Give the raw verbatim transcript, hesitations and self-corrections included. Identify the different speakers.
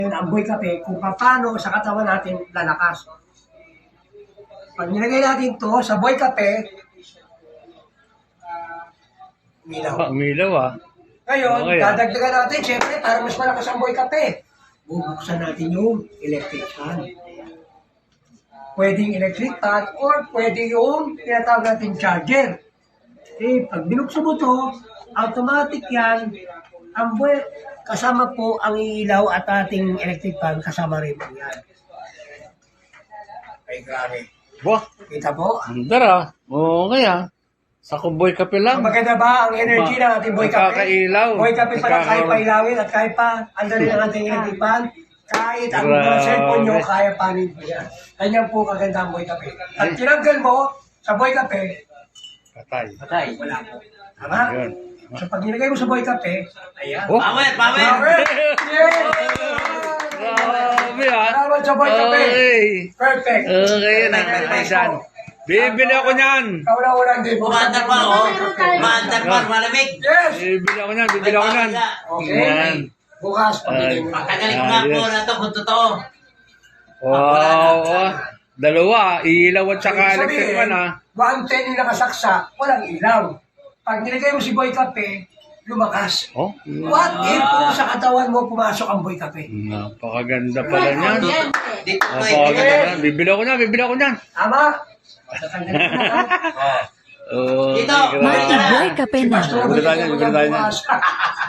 Speaker 1: ang boy kape kung paano sa katawan natin lalakas. Pag nilagay natin to sa boy kape, umilaw.
Speaker 2: Ah, umilaw ah.
Speaker 1: Ngayon,
Speaker 2: Okay, ah.
Speaker 1: dadagdagan natin, syempre, para mas malakas ang boy kape. Bubuksan natin yung electric fan. Pwedeng electric fan or pwede yung tinatawag natin charger. Eh, pag binuksan mo to, automatic yan, ang boy, kasama po ang ilaw at ating electric fan, kasama rin po yan. Ay, grabe.
Speaker 2: Wah,
Speaker 1: Kita po?
Speaker 2: andar ah. Oo nga ah. Sa kuboy kape lang.
Speaker 1: Maganda ba ang energy ng ating boy kape?
Speaker 2: Nakakailaw.
Speaker 1: Boy kape pa lang, kahit
Speaker 2: Nakaka-
Speaker 1: pa ilawin at kahit pa andali ang ating electric fan, kahit ang mga
Speaker 2: Grabe.
Speaker 1: cellphone nyo, kaya panin po yan. Ganyan po kaganda ang boy kape. At tinanggal mo sa boy kape,
Speaker 2: Patay.
Speaker 3: Patay.
Speaker 1: wala po. Tama?
Speaker 2: Yun.
Speaker 1: So pag nilagay mo sa boy kape, ayan.
Speaker 2: Oh.
Speaker 3: Power, power!
Speaker 1: Power! Yes!
Speaker 2: Grabe ah.
Speaker 1: Salamat sa boy kape.
Speaker 2: Okay.
Speaker 1: Perfect.
Speaker 2: Okay, nakakaisan. Bibili ako niyan.
Speaker 1: Kauna-una din po.
Speaker 3: Umaandar pa ako. Umaandar pa, malamig.
Speaker 1: Yes!
Speaker 2: Bibili ako niyan. Bibili ako niyan.
Speaker 1: Okay.
Speaker 2: Yan.
Speaker 1: Bukas, pabili mo.
Speaker 3: Pagkagaling ko nga po na ito kung totoo.
Speaker 2: Wow. oh. Dalawa. Ilaw at saka
Speaker 1: Ibig
Speaker 2: electric
Speaker 1: sabihin,
Speaker 2: fan ah.
Speaker 1: one ten yung nakasaksak, walang ilaw. Pag nilagay mo si boy kape, lumakas.
Speaker 2: Oh.
Speaker 1: What if kung sa katawan mo pumasok ang boy kape?
Speaker 2: Napakaganda pala niyan.
Speaker 3: Dito ko
Speaker 2: Napakaganda niyan. Bibili ako niyan. Bibili ako niyan.
Speaker 1: Tama? Tatanggalin mo na, ha?
Speaker 2: Oh,
Speaker 3: Dito.
Speaker 2: grabe.
Speaker 4: Multi-boy kape na.
Speaker 1: Basta
Speaker 2: Bibili tayo, bibili tayo.
Speaker 1: bukas.